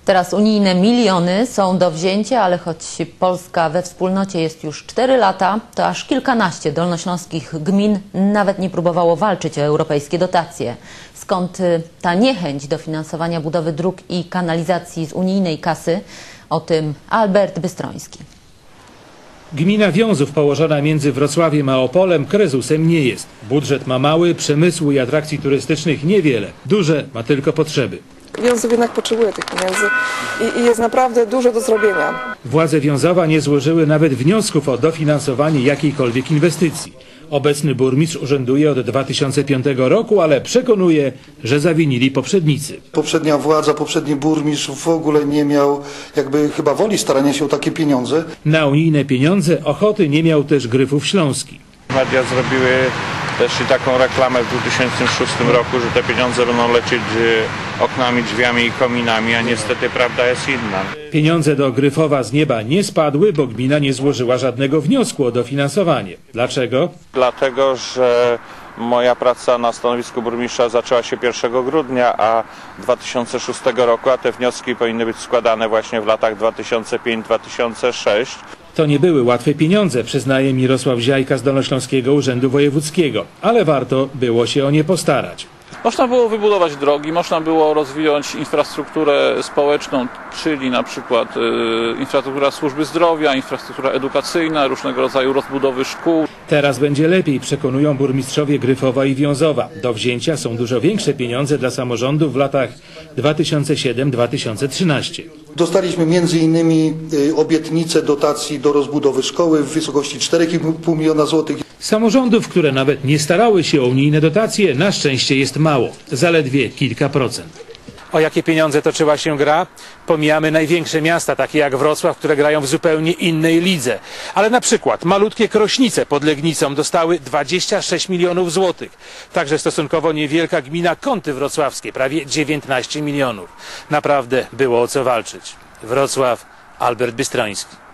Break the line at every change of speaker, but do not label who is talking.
Teraz unijne miliony są do wzięcia, ale choć Polska we wspólnocie jest już 4 lata, to aż kilkanaście dolnośląskich gmin nawet nie próbowało walczyć o europejskie dotacje. Skąd ta niechęć do finansowania budowy dróg i kanalizacji z unijnej kasy? O tym Albert Bystroński.
Gmina Wiązów, położona między Wrocławiem a Opolem, krezusem nie jest. Budżet ma mały, przemysłu i atrakcji turystycznych niewiele. Duże ma tylko potrzeby.
Wiązów jednak potrzebuje tych pieniędzy i jest naprawdę dużo do zrobienia.
Władze Wiązowa nie złożyły nawet wniosków o dofinansowanie jakiejkolwiek inwestycji. Obecny burmistrz urzęduje od 2005 roku, ale przekonuje, że zawinili poprzednicy.
Poprzednia władza, poprzedni burmistrz w ogóle nie miał chyba woli starania się o takie pieniądze.
Na unijne pieniądze ochoty nie miał też Gryfów Śląski.
Media zrobiły też i taką reklamę w 2006 roku, że te pieniądze będą lecieć oknami, drzwiami i kominami, a niestety prawda jest inna.
Pieniądze do Gryfowa z nieba nie spadły, bo gmina nie złożyła żadnego wniosku o dofinansowanie. Dlaczego?
Dlatego, że moja praca na stanowisku burmistrza zaczęła się 1 grudnia 2006 roku, a te wnioski powinny być składane właśnie w latach 2005-2006.
To nie były łatwe pieniądze, przyznaje Mirosław Ziajka z Dolnośląskiego Urzędu Wojewódzkiego, ale warto było się o nie postarać.
Można było wybudować drogi, można było rozwijać infrastrukturę społeczną, czyli na przykład infrastruktura służby zdrowia, infrastruktura edukacyjna, różnego rodzaju rozbudowy szkół.
Teraz będzie lepiej, przekonują burmistrzowie Gryfowa i Wiązowa. Do wzięcia są dużo większe pieniądze dla samorządów w latach 2007-2013.
Dostaliśmy m.in. obietnicę dotacji do rozbudowy szkoły w wysokości 4,5 miliona złotych.
Samorządów, które nawet nie starały się o unijne dotacje, na szczęście jest mało, zaledwie kilka procent. O jakie pieniądze toczyła się gra? Pomijamy największe miasta, takie jak Wrocław, które grają w zupełnie innej lidze. Ale na przykład malutkie Krośnice pod Legnicą dostały 26 milionów złotych. Także stosunkowo niewielka gmina Kąty Wrocławskie, prawie 19 milionów. Naprawdę było o co walczyć. Wrocław, Albert Bystroński.